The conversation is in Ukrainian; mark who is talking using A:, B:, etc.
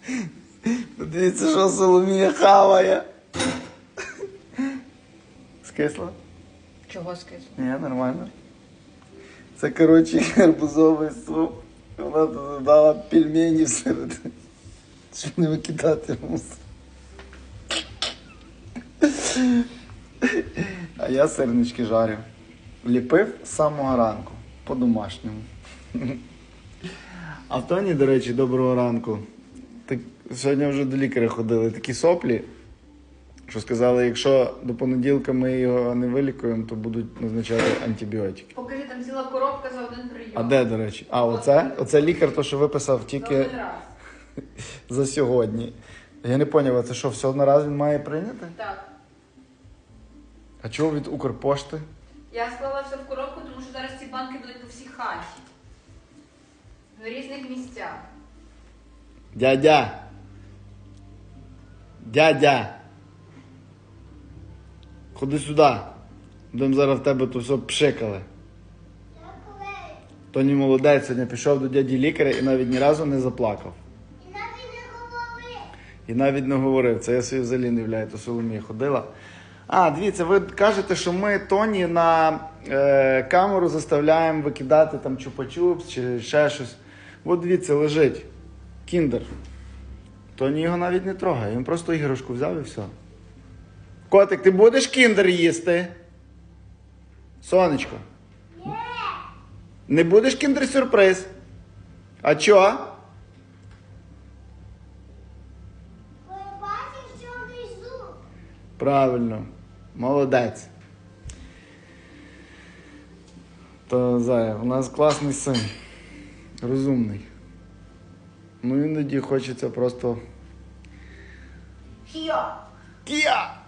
A: Подивіться, що Соломія хаває. Скисло?
B: Чого скисло?
A: Ні, нормально. Це, коротше, гарбузовий суп. Вона туди дала пельмені всередині. Щоб не викидати мусор. А я сирнички жарю. Ліпив з самого ранку. По-домашньому. А в Тоні, до речі, доброго ранку. Так, сьогодні вже до лікаря ходили такі соплі, що сказали, якщо до понеділка ми його не вилікуємо, то будуть назначати антибіотики.
B: Покажи, там ціла коробка за один прийом.
A: А де, до речі? А, оце? Оце лікар, то, що виписав тільки
B: За один раз.
A: за сьогодні. Я не зрозумів, а це що, все одноразово він має прийняти?
B: Так.
A: А чого від Укрпошти?
B: Я склала все в коробку, тому що зараз ці банки будуть по всій хаті. В різних місцях.
A: Дядя! Дядя! Ходи сюди. Будемо зараз в тебе тут все пшикали. Тоні молодець, сьогодні пішов до дяді лікаря і навіть ні разу не заплакав. І навіть не говорив. Це я собі взагалі не являю, то Соломія ходила. А, дивіться, ви кажете, що ми Тоні на камеру заставляємо викидати там чупа-чупс чи ще щось. От дивіться, лежить кіндер. Тоні його навіть не трогає, він просто іграшку взяв і все. Котик, ти будеш кіндер їсти? Сонечко? Ні. Не будеш кіндер-сюрприз? А чого? Правильно. Молодець. То, Зая, у нас класний син. Розумний. Ну, іноді хочеться просто...
B: Кіо!
A: Кія!